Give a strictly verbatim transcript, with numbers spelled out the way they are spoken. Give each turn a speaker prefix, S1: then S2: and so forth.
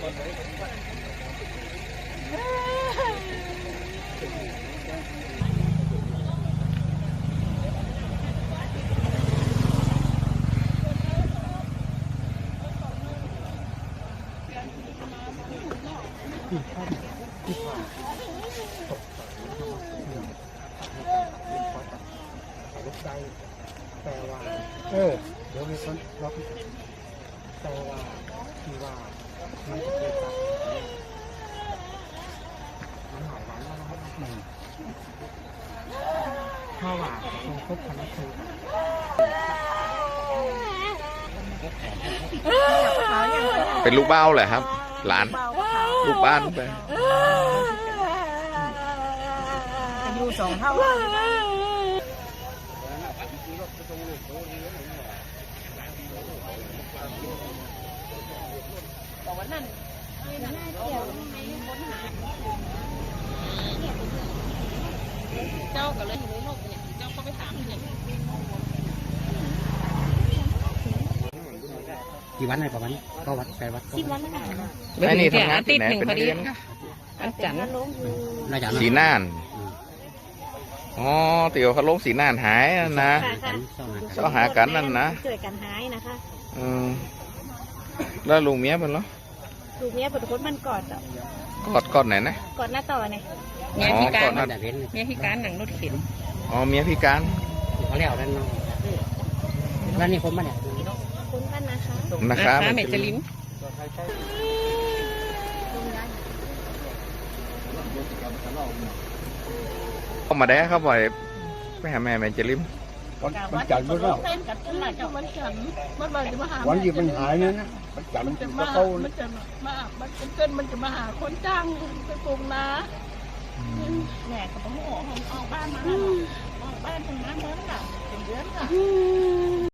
S1: แต่ว่าเออเดี๋ยวมีคนล็อกแต่ว่าที่ว่ามันจะเกิดจากมันหายวันแล้วนะครับหนึ่งเพราะว่าตรงครบพันธุ์คือ
S2: เป็นลูกเบ้าแหละครับ หลานลูกบ้านไป
S3: อยู่สองเท่าแต่วันนั้นเจ้าก็เลยอยู่ในโลกเนี่ยเจ้าก็ไปถามเนี่ย
S1: กี่วันไหนประมาณก็วัดไปวัด
S3: สิบวันแล้วกัน
S2: ไอ้นี่ทำงานที่ไหนเป็นนักเรียน
S3: อาจารย์
S2: สีน่านอ๋อเตี๋ยวเขาลงสีน่านหายนะเจ้าหากันนั่นนะ
S3: เกิดกันหายนะคะ
S2: อืมแล้วลุงเมียเป็นเหรอ
S3: ลุงเมียเป็นคนมันกอดอ่ะ
S2: กอดกอดไหนนะ
S3: กอดหน้าต่อไง
S2: เมียพิการ
S3: เมียพิการหนังรถเข็น
S2: อ๋อเมียพิการ
S1: เขาเรียกนั่นนั่นนี่คนมาเนี่ย
S3: คนบ้านนะคะ
S2: นะคะ
S3: เมจลิน
S2: เข้ามาได้ครับบ่อยไปหาแม่แม่จะลิ้ม
S1: มันจันทร์มันแล้ววันที่มันหายเนี่ยนะมันจันทร์มันจะมา
S4: มันจะมามันเป็นเกินมันจะมาหาคนจ้างไปปลูกนาแหน่กับพ่อออกบ้านมาออกบ้านทำงานเดือนละเดือนละ